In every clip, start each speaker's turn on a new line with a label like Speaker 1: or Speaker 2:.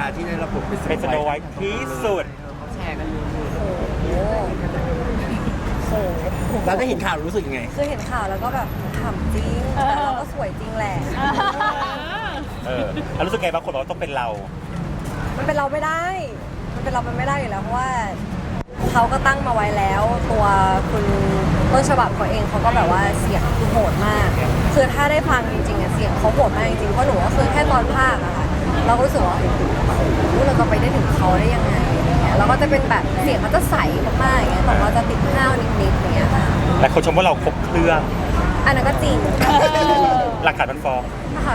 Speaker 1: ที่ได้รับบท
Speaker 2: เป็นสโนไวท์ที่สุด
Speaker 3: แชร์กันอยู่
Speaker 4: โอ้โห
Speaker 1: แล้วได้เห็นข่าวรู้สึกยังไง
Speaker 4: คือเห็นข่าวแล้วก็แบบขำจริงแต่เราก็สวยจริงแหละ
Speaker 2: แล้วรู้สึกไงบางคนบอกว่าต้องเป็นเรา
Speaker 4: มันเป็นเราไม่ได้มันเป็นเราเป็นไม่ได้อยู่แล้วเพราะว่าเขาก็ตั้งมาไว้แล้วตัวคุณต้นฉบับเขาเองเขาก็แบบว่าเสียงคือโหดมากคือถ้าได้ฟังจริงๆอะเสียงเขาโหดมากจริงๆเพราะหนูก็คือแค่ตอนภาคอะค่ะเราก็รู้สึกว่าเราจะไปได้ถึงเขาได้ยังไงเราก็จะเป็นแบบเสียงเขาจะใสมากๆอย่างเงี้ยแต่เราจะติดห้าวนิดๆอย่างเงี้ยค่ะ
Speaker 2: และคนชมว่าเราครบเครื่อง
Speaker 4: อันนั้นก็จริง
Speaker 2: หลักฐานมันฟ้อง
Speaker 4: ค่ะ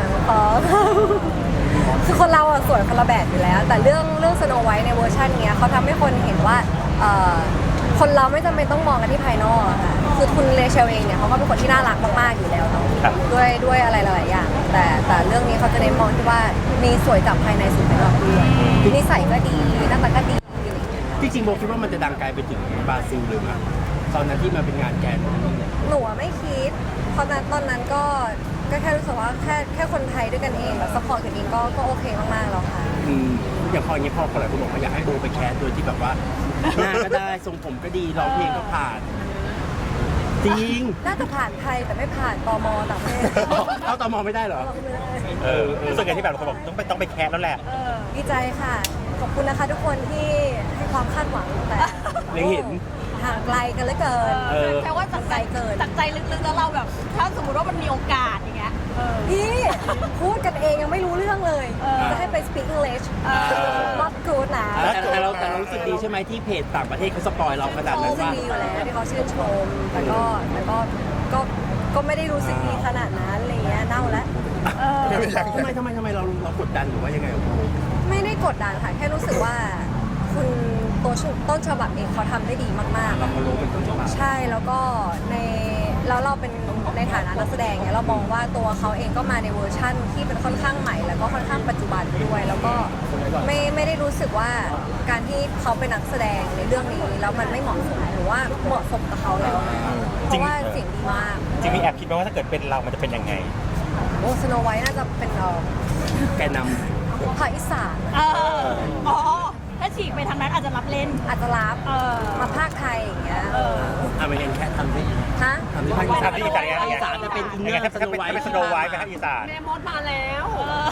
Speaker 4: คือคนเราอะสวยคนละแบบอยู่แล้วแต่เรื่องสโนไวท์ในเวอร์ชันเนี้ยเขาทำให้คนเห็นว่าคนเราไม่จำเป็นต้องมองกันที่ภายนอกอะค่ะคือคุณเลเชลเองเนี่ยเขาก็เป็นคนที่น่ารักมากๆอยู่แล้วเนาะด้วยอะไรหลายๆอย่างแต่เรื่องนี้เขาจะเน้นมองที่ว่ามีสวยจากภายในสู่ภายนอกด้วยนิสัยก็ดีหน้าตาก็ดี
Speaker 1: จริงๆโบคิดว่ามันจะดังไกลไปถึงบราซิลเลยมั้ยตอนนั้นที่มาเป็นงานแกน
Speaker 4: หนูไม่คิดเพราะตอนนั้นก็แค่รู้สึกว่าแค่คนไทยด้วยกันเองแบบซัพพอร์ตกันเองก็โอเคมากๆแล้วค่ะ
Speaker 1: อย่างพออย่างนี้พอหลายคนบอกว่าอยากให้โบไปแคสโดยที่แบบว่าหน้าก็ได้ทรงผมก็ดีร้องเพลงก็ผ่านจริง
Speaker 4: น่าจะผ่านไทยแต่ไม่ผ่านตม.ต่างประเทศ
Speaker 1: เอาตม.ไม่ได้เหรอ
Speaker 2: รู้สึกไงที่แบบคนบอกต้องไปแคสแล้วแหละ
Speaker 4: ดีใจค่ะขอบคุณนะคะทุกคนที่ให้ความคาดหวังแต่
Speaker 1: เห็น
Speaker 4: ห่างไกลกันเหลือเกิน
Speaker 3: แปลว่าจากใจเกินจากใจลึกๆแล้วเราแบบถ้าสมมติว่ามันมีโอกาสอย่างเงี้ย
Speaker 4: พี่พูดกันเองยังไม่รู้เรื่องเลยจะให้ไป speak English not good นะ
Speaker 1: แต่เรารู้สึกดีใช่ไหมที่เพจต่างประเทศเขาสปอยเราขนาดนั้นว่า
Speaker 4: ดีอยู่แล้วที่เขาชื่นชมแต่ก็ไม่ได้รู้สึกดีขนาดนั้นอะไรเงี้ยเน่าแล้ว
Speaker 1: ทำไมเรากดดันหรือว่ายังไง
Speaker 4: ไม่ได้กดดันค่ะแค่รู้สึกว่าคุณต้นฉบับเองเขาทำได้ดีมากๆ
Speaker 1: เรารู้เป็นต้นฉบับ
Speaker 4: ใช่แล้วก็แล้วเราเป็นในฐานะนักแสดงเนี่ยเรามองว่าตัวเขาเองก็มาในเวอร์ชั่นที่เป็นค่อนข้างใหม่แล้วก็ค่อนข้างปัจจุบันด้วยแล้วก็ไม่ได้รู้สึกว่าการที่เขาเป็นนักแสดงในเรื่องนี้แล้วมันไม่เหมาะสมหรือว่าเหมาะสมกับเขาแล้วเพราะว่าเสียงดีมาก
Speaker 2: จริงมีแอบคิดไหมว่าถ้าเกิดเป็นเรามันจะเป็นยังไง
Speaker 4: โอ้สโนไวท์น่าจะเป็น
Speaker 1: แกนำ
Speaker 4: ภาคอีสาน
Speaker 3: ถ้าฉีกไปทางนั้นอาจจะรับเล่น
Speaker 4: อาจจะรับมาภาคไทยอย่างเงี้ย
Speaker 1: ไม่งั้นแค่ทำได้
Speaker 4: ฮะ
Speaker 1: ทำได้ภาคอีสานจะเป็นอินเนอร์
Speaker 2: สโนไวท์เป็นสโนไวท์ไปภาคอีสาน
Speaker 3: แม่มดมาแล้ว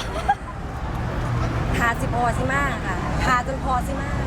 Speaker 4: ทาสิพอสิมากค่ะทาจนพอสิมาก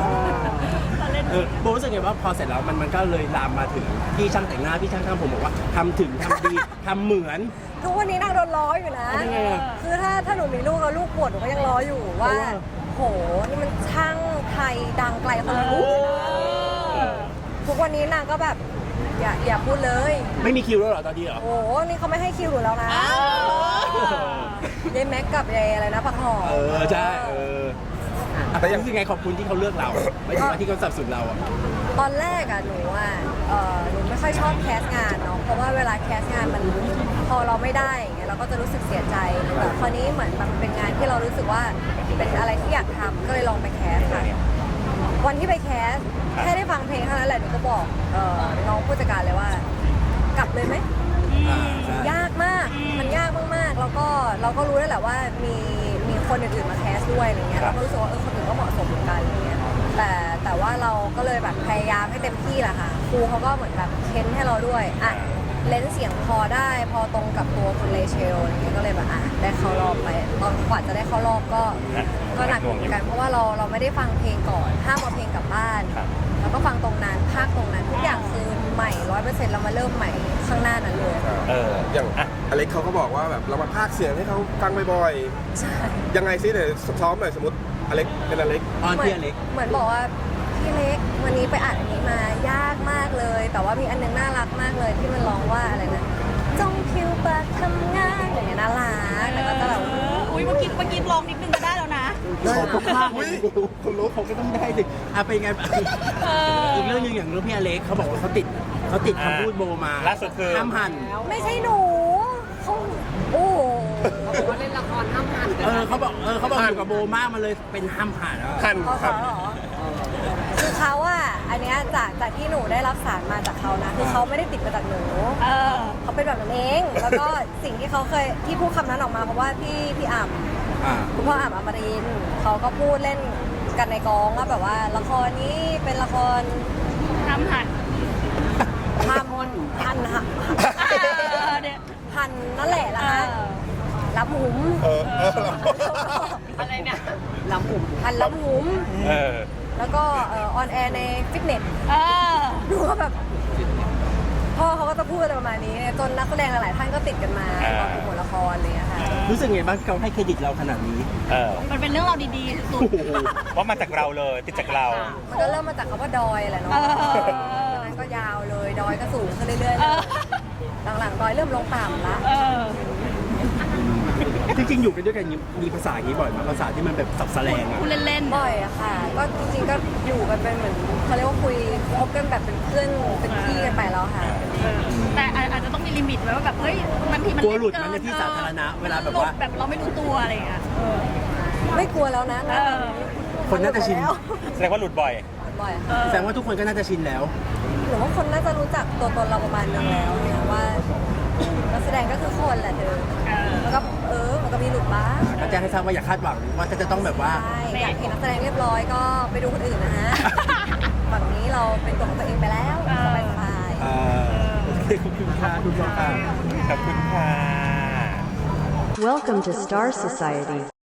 Speaker 1: โบรู้สึกไงว่าพอเสร็จแล้วมันก็เลยลามมาถึงพี่ช่างแต่งหน้าพี่ช่างทำผมบอกว่าทำถึงทำดีทำเหมือน
Speaker 4: ทุกวันนี้นางโดนล้ออยู่นะคือถ้าหนูมีลูกแล้วลูกปวดหนูก็ยังล้ออยู่ว่าโหนี่มันช่างไทยดังไกลคนละลูกทุกวันนี้นางก็แบบอย่าพูดเลย
Speaker 1: ไม่มีคิวแล้วเหรอตอนนี้เหรอ
Speaker 4: โอ้นี่เขาไม่ให้คิวหนูแล้วนะเย้แม็กกับเย้อะไรนะปักหอม
Speaker 1: ใช่แต่ยังรู้สึกไงขอบคุณที่เขาเลือกเราไม่ใช่ว่าที่เขาสนับสนุนเรา
Speaker 4: ตอนแรกหนูไม่ค่อยชอบแคสงานเนาะเพราะว่าเวลาแคสงานมันพอเราไม่ได้อย่างเงี้ยเราก็จะรู้สึกเสียใจแต่คราวนี้เหมือนมันเป็นงานที่เรารู้สึกว่าเป็นอะไรที่อยากทำก็เลยลองไปแคสค่ะวันที่ไปแคสแค่ได้ฟังเพลงเท่านั้นแหละหนูก็บอกน้องผู้จัดการเลยว่ากลับเลยไหมยากมากมันยากมากๆแล้วก็เราก็รู้แล้วแหละว่ามีคนอื่นๆมาแคสด้วยอะไรเงี้ยเราก็รู้สึกว่าคนอื่นก็เหมาะสมเหมือนกันอะไรเงี้ยแต่ว่าเราก็เลยแบบพยายามให้เต็มที่แหละค่ะครูเขาก็เหมือนแบบเค้นให้เราด้วยเลนส์เสียงพอได้พอตรงกับตัวคุณเลเชลอะไรเงี้ยก็เลยแบบได้เข้ารอบไปตอนกว่าจะได้เข้ารอบก็หนักเหมือนกันเพราะว่าเราไม่ได้ฟังเพลงก่อนห้ามเอาเพลงกลับบ้านแล้วก็ฟังตรงนั้นภาคตรงนั้นทุกอย่างคือใหม่ 100% เรามาเริ่มใหม่ข้างหน้านั้นเลย
Speaker 5: อย่างอเล็กเขาก็บอกว่าแบบเรามาพากย์เสียงให้เขาฟังบ่อยๆยังไงซิเนี่ยซ้อมหน่อยสมมติอเล็กเป็นอเล็ก
Speaker 1: พี่อเล็ก
Speaker 4: เหมือนบอกว่าพี่เล็กวันนี้ไปอ่านอันนี้มายากมากเลยแต่ว่ามีอันนึงน่ารักมากเลยที่มันร้องว่าอะไรนะจงผิวปากทำงานอย่างเงี้ยน่ารักแล้วก็จะแบบ
Speaker 3: เมื่อกี้ลองนิดนึงก็ได้แล้วนะ
Speaker 1: ขอทุกภาคคนรู้เขาก็ต้องได้สิเป็นไงอีกเรื่องนึงอย่างเรื่องพี่อเล็กเขาบอกว่าเขาติดคำพูดโบมา
Speaker 2: ล่าสุดคือ
Speaker 1: ห้ามหัน
Speaker 4: ไม่ใช่หนูเขาโอ้
Speaker 3: เขาบอกว่าเล่นละครห้ามหัน
Speaker 1: เขาบอกอยู่กับโบมากมันเลยเป็นห้ามหัน
Speaker 4: เขาเหรอคือเขาอันเนี้ยจากที่หนูได้รับสารมาจากเขานะคือเขาไม่ได้ติดมาจากหนูเขาเป็นแบบนั้นเองแล้วก็สิ่งที่เขาเคยที่พูดคำนั้นออกมาเพราะว่าพี่อ่ำ
Speaker 1: อ่า
Speaker 4: คุณพ่ออ่ำอมรินทร์เขาก็พูดเล่นกันในกองว่าแบบว่าละครนี้เป็นละคร
Speaker 3: ทำหัน
Speaker 4: หั่น
Speaker 3: เนี่ย
Speaker 4: หั่นนั่นแหละนะคะรับหุม
Speaker 3: อะไรเนี่ย
Speaker 4: รับหุมหั่นรับหุม
Speaker 2: เออ
Speaker 4: แล้วก็ออนแอร์ในฟิตเนส
Speaker 3: เออ
Speaker 4: ดูก็แบบพ่อเขาก็จะพูดอะไรประมาณนี้จนนักแสดงหลายๆท่านก็ติดกันมาตอนดูละครอะไรอย่างเลยค่ะ
Speaker 1: รู้สึกไงบ้างที่เขาให้เครดิตเราขนาดนี้
Speaker 2: เออ
Speaker 3: มันเป็นเรื่องเราวดีๆสุด
Speaker 1: โอ้โห
Speaker 2: ว่ามาจากเราเลยติดจากเรา
Speaker 4: มันก็เริ่มมาจากคำว่าดอยแหละเนาะ
Speaker 3: เออ
Speaker 4: จากนั้นก็ยาวเลยดอยก็สูงขึ้นเรื่อยๆ
Speaker 3: เอ
Speaker 4: เลย
Speaker 3: อ
Speaker 4: หลังๆดอยเริ่มลงต่ำละ
Speaker 3: เออ
Speaker 1: จริงๆอยู่กันด้วยกันมีภาษาอย่างนี้บ่อยไหมภาษาที่มันแบบสับแสลงอ่ะ
Speaker 3: พูดเล่นๆ
Speaker 4: บ่อยอะค่ะ ก็จริงๆก็อยู่กันเป็นเหมือนเขาเรียกว่าคุยคบกันแบบเป็นเพื่อนเป็นพี่กันไปแล้วค่ะ
Speaker 3: แต่อาจจะต้องมีลิมิตไว้ว่าแบบเฮ้ยบางทีมัน
Speaker 1: กลัวหลุด
Speaker 3: เกิ
Speaker 1: มันในที่สาธารณะเวลาแบบ
Speaker 3: หลุด
Speaker 1: ว่า
Speaker 3: แบบเราไม่รู้ตัวอะไรอย่างเงี้ย
Speaker 4: ไม่กลัวแล้วนะ
Speaker 3: เออ
Speaker 1: คนน่าจะชิน
Speaker 4: แล้ว
Speaker 2: แสดงว่าหลุดบ่อย
Speaker 4: บ่อย
Speaker 3: เอ
Speaker 4: ค่ะ
Speaker 3: อ
Speaker 1: แสดงว่าทุกคนก็น่าจะชินแล้ว
Speaker 4: หรือว่าคนน่าจะรู้จักตัวตนเราประมาณนึงแล้วเนี่ยว่านักแสดงก็คือคนแหละเธอ
Speaker 3: เออ
Speaker 4: แล้วก็มันก็มีหลุดบ้าง
Speaker 1: ก็แจ้งให้ทราบว่าอย่าคาดหวังว่าจะต้องแบบว่า
Speaker 4: ใช่อยากเห็นนักแสดงเรียบร้อยก็ไปดูคนอื่นนะฮะ ฝั่งนี้เราเป็นตัวของตัวเองไปแล้วสบายๆ
Speaker 1: โอเคขอบคุณค่ะทุกคนค่ะ
Speaker 2: ขอบคุณค่ะ
Speaker 6: Welcome to Star Society.